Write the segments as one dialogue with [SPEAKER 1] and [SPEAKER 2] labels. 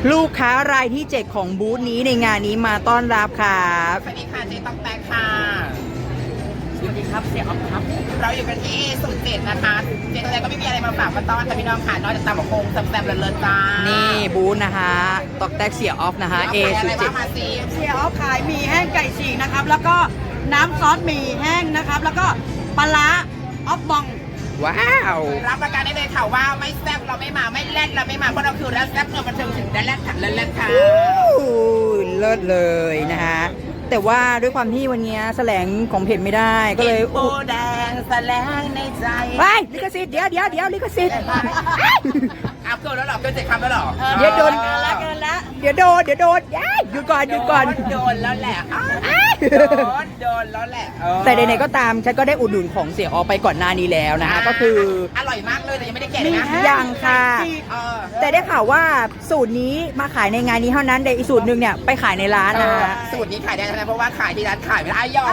[SPEAKER 1] ลูกค้ารายที่ 7 ของบูธนี้ในงานนี้มาต้อนรับครับ
[SPEAKER 2] สวัสดีค่ะเจ๊ต้องแตกค่ะสวัสดีครับเสียออฟครับเราอยู่กันที่07นะคะเจ๊ต้องแตกก็ไม่มีอะไรมาฝากมาต้อนแต่พี่น้องค่ะนอกจากตำบักหุ่งแซ่บๆเลิศๆจ้า
[SPEAKER 1] นี่
[SPEAKER 2] นี่
[SPEAKER 1] บูธนะคะตอกแตกเสียออฟนะคะ
[SPEAKER 2] อะไรบ้าง
[SPEAKER 1] A07
[SPEAKER 2] มาซี
[SPEAKER 3] เสียออฟขายหมี่แห้งไก่ฉีกนะครับ แล้วก็น้ำซอสหมี่แห้งนะครับ แล้วก็ปลาร้าออฟบอง
[SPEAKER 1] ว้าว
[SPEAKER 2] รับประกันได้เลยค่ะว่าไม่แซ่บเราไม่มาไม่แล่นเราไม่มาเพราะเราคือแล้วแซ่บเงินบันเทิงถึงได้แล่นขัดแล่นค่ะ
[SPEAKER 1] เลิศเลยนะคะแต่ว่าด้วยความที่วันนี้แสลงของเพจไม่ได้ก็เลย
[SPEAKER 2] โบแดงแสลงในใจ
[SPEAKER 1] ไปลิขสิทธิ์เดี๋ยวลิขสิทธิ์
[SPEAKER 2] อัพเกินแล้วหรอเกิน7 คำแล้วหรอ
[SPEAKER 1] เดี๋ยวโดน
[SPEAKER 3] เกินละ
[SPEAKER 1] เดี๋ยวโดนย้ายหยุดก่อน
[SPEAKER 2] โดนแล้วแหละโดนแล้วแหละ
[SPEAKER 1] แต่ใดๆก็ตามฉันก็ได้อุดหนุนของเสียออฟไปก่อนหน้านี้แล้วนะคะก็คือ
[SPEAKER 2] อร่อยมากเลยแต่ยังไม่ได้แกะเลยนะ
[SPEAKER 1] ยังค่ะ
[SPEAKER 2] เออ
[SPEAKER 1] แต่ได้ข่าวว่าสูตรนี้มาขายในงานนี้เท่านั้นแต่อีกสูตรหนึ่งเนี่ยไปขายในร้านนะ
[SPEAKER 2] สูตรนี้ขายได้นะเพราะว่าขายที่ร้านขายไม่ได้ยอม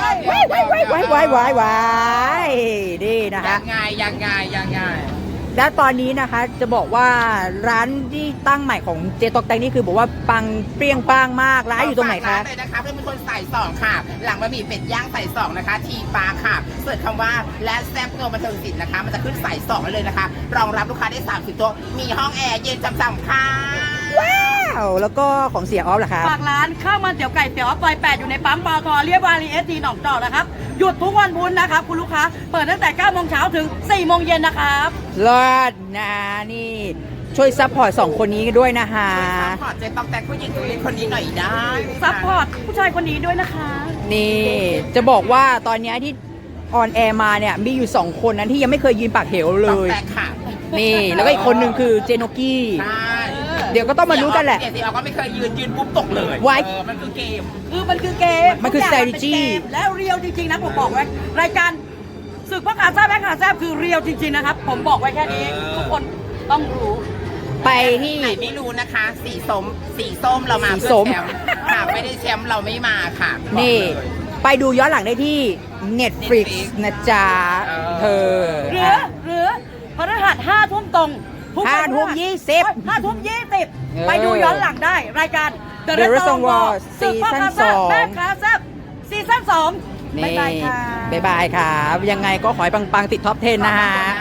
[SPEAKER 1] ว้ายนี่นะคะ
[SPEAKER 2] ยังไง
[SPEAKER 1] และตอนนี้นะคะจะบอกว่าร้านที่ตั้งใหม่ของเจตอกแตงนี่คือบอกว่าปังเปรี้ยงปังมากร้านอยู่ตรงไหนคะ
[SPEAKER 2] เลยนะคะเพื่อนเป็นคนใส่2ค่ะ หลังบะหมี่เป็ดย่างใส่2นะคะทีปลาค่ะเสิร์ชคำว่าและแซ่บเงินบันเทิงศิลป์นะคะมันจะขึ้นใส่2เลยนะคะรองรับลูกค้าได้30โต๊ะมีห้องแอร์เย็นช่ำๆค่ะ
[SPEAKER 1] ว้าวแล้วก็ของเสียออฟล่ะคะ
[SPEAKER 3] ฝากร้านข้าวมันเตี๋ยวไก่เตี๋ยวออฟซอย8อยู่ในปั๊มปตทเรียบวารีST หนองจอกนะครับ หยุดทุกวันพุธนะครับ คุณลูกค้า เปิดตั้งแต่9โมงเช้าถึง4โมงเย็นนะครับ
[SPEAKER 1] เลิศนะนี่ช่วยซัพพอร์ต2คนนี้ด้วยนะคะ
[SPEAKER 2] ซัพพอร์ตเจ๊ต้องแต่งผู้หญิงตัวเล็กคนนี้หน่อยได้
[SPEAKER 3] ซัพพอร์ตผู้ชายคนนี้ด้วยนะคะ
[SPEAKER 1] นี่จะบอกว่าตอนนี้ที่ออนแอร์มาเนี่ยมีอยู่2คนนั้นที่ยังไม่เคยยืนปากเหวเล
[SPEAKER 2] ต้อง
[SPEAKER 1] ย
[SPEAKER 2] แต่งค่ะ
[SPEAKER 1] นี่แล้วก็อีกคนหนึ่งคือเจโนกี้
[SPEAKER 2] ใช่
[SPEAKER 1] เดี๋ยวก็ต้องมารู้กันแหละ
[SPEAKER 2] เดี๋ยวสิเราก็ไม่เคยยืนปุ๊บตกเลย
[SPEAKER 1] ไว้
[SPEAKER 2] มันคือเกม
[SPEAKER 3] มันคือเกม
[SPEAKER 1] มันคือ
[SPEAKER 3] ทุกย่าง
[SPEAKER 1] strategy
[SPEAKER 3] เป็นเกมแล้วเรียวจริงๆนะผมบอกไว้รายการศึกพ่อขาแซ่บแม่ขาแซ่บคือเรียวจริงๆนะครับผมบอกไว้แค่นี้ทุกคนต้องรู้
[SPEAKER 1] ไปที่
[SPEAKER 2] ไหนไม่รู้นะคะ สีส้มเรามา
[SPEAKER 1] สี
[SPEAKER 2] เพื่
[SPEAKER 1] ส้
[SPEAKER 2] อ
[SPEAKER 1] ม
[SPEAKER 2] แชมป์หากไม่ได้แชมป์เราไม่มาค่ะ
[SPEAKER 1] นี่
[SPEAKER 2] บอกเลย
[SPEAKER 1] ไปดูย้อนหลังได้ที่ Netflix นะจ๊ะเธอ
[SPEAKER 3] หรือพฤหัส5 ทุ่มตรงทุกวัน
[SPEAKER 1] 5 ทุ่ม 20
[SPEAKER 3] 5 ทุ่ม 20ไปดูย้อนหลังได้รายการ
[SPEAKER 1] The Reservoir
[SPEAKER 3] ศึกพ่อขาแซ่บ
[SPEAKER 1] Season 2
[SPEAKER 3] แม่ขาแซ่บซีซั่น2
[SPEAKER 1] นี่
[SPEAKER 3] บ๊ายบายค่ะ
[SPEAKER 1] บ๊ายบายครับยังไงก็ขอให้ปังๆติดท็อป 10 นะฮะ